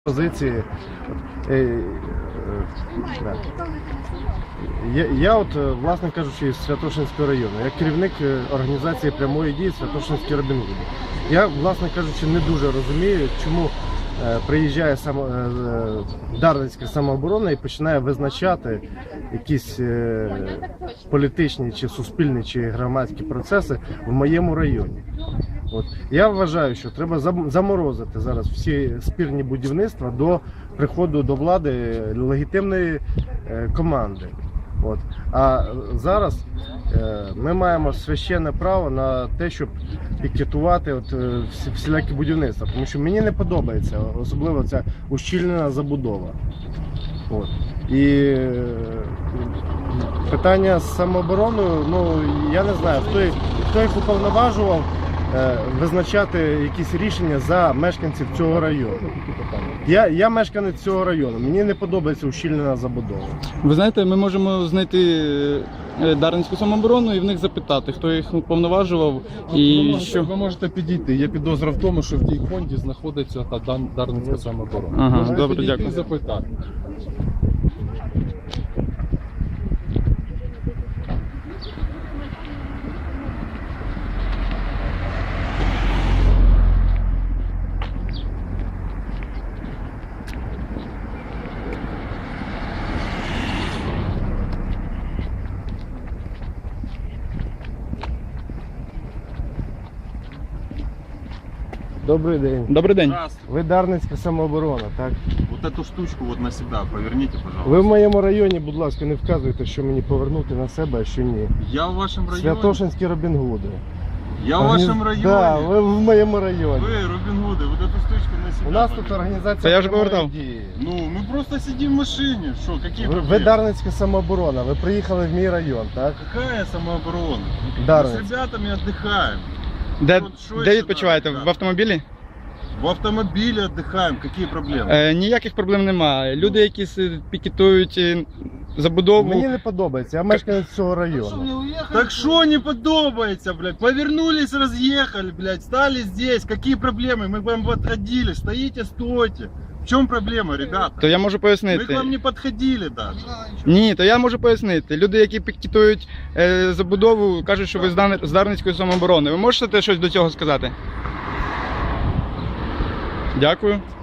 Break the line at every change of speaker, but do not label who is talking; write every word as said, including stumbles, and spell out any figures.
Позиції. Я, я от, власне кажучи, із Святошинського району, як керівник організації прямої дії Святошинський Робін Гуд. Я, власне кажучи, не дуже розумію, чому е, приїжджає само, е, Дарницька самооборона і починає визначати якісь е, політичні, чи суспільні, чи громадські процеси в моєму районі. От. Я вважаю, що треба заморозити зараз всі спірні будівництва до приходу до влади легітимної е, команди. От. А зараз е, ми маємо священне право на те, щоб пікетувати от, е, всі, всілякі будівництва. Тому що мені не подобається, особливо ця ущільнена забудова. От. І е, питання з самообороною, ну я не знаю, хто, хто їх уповноважував визначати якісь рішення за мешканців цього району. Я, я мешканець цього району, мені не подобається ущільнена забудова.
Ви знаєте, ми можемо знайти Дарницьку самооборону і в них запитати, хто їх уповноважував і
ви можете,
що...
Ви можете підійти. Є підозра в тому, що в тій фонді знаходиться та Дан- Дарницька самооборона.
Ага,
Можете
добре,
підійти
дякую.
і запитати.
Добрий день.
Добрий день.
Здравствуйте.
Ви Дарницька самооборона, так?
Вот эту штучку вот на себя поверните, пожалуйста.
Ви в моєму районі, будь ласка, не вказуйте, що мені повернути на себе, а що ні.
Я в вашем районе.
Святошинські Робін Гуди.
Я в вашем районе.
Так, да, ви в моєму районі.
Вы, Робин Гуды, вот эту штучку на себя.
У нас тут
поверните.
організація
Та я вже
прямої
повертав.
дії.
Ну, мы просто сидим в машине. Что, какие
Ви,
проблемы?
ви Дарницька самооборона, ви приїхали в мій район, так?
Какая самооборона? Мы
Дарницька.
с ребятами отдыхаем.
Де,
От що
де
ще
відпочиваєте?
надо?
В автомобілі?
В автомобиле отдыхаем. Какие проблемы?
Е, ніяких проблем немає. Люди, які с- пікетують е, забудову...
Мені не подобається, я мешканець цього району.
Так что не подобается, блядь? Повернулись, разъехали, блядь, стали здесь. Какие проблемы? Мы к вам подходили. Стоите, стойте. В чем проблема, ребята?
То я можу
Мы к
пояснити.
вам не подходили даже.
Ні, то я можу пояснити. Люди, які пікетують е, забудову, кажуть, що ви з Дан- з Дарницької самооборони. Ви можете щось до цього сказати? Дякую.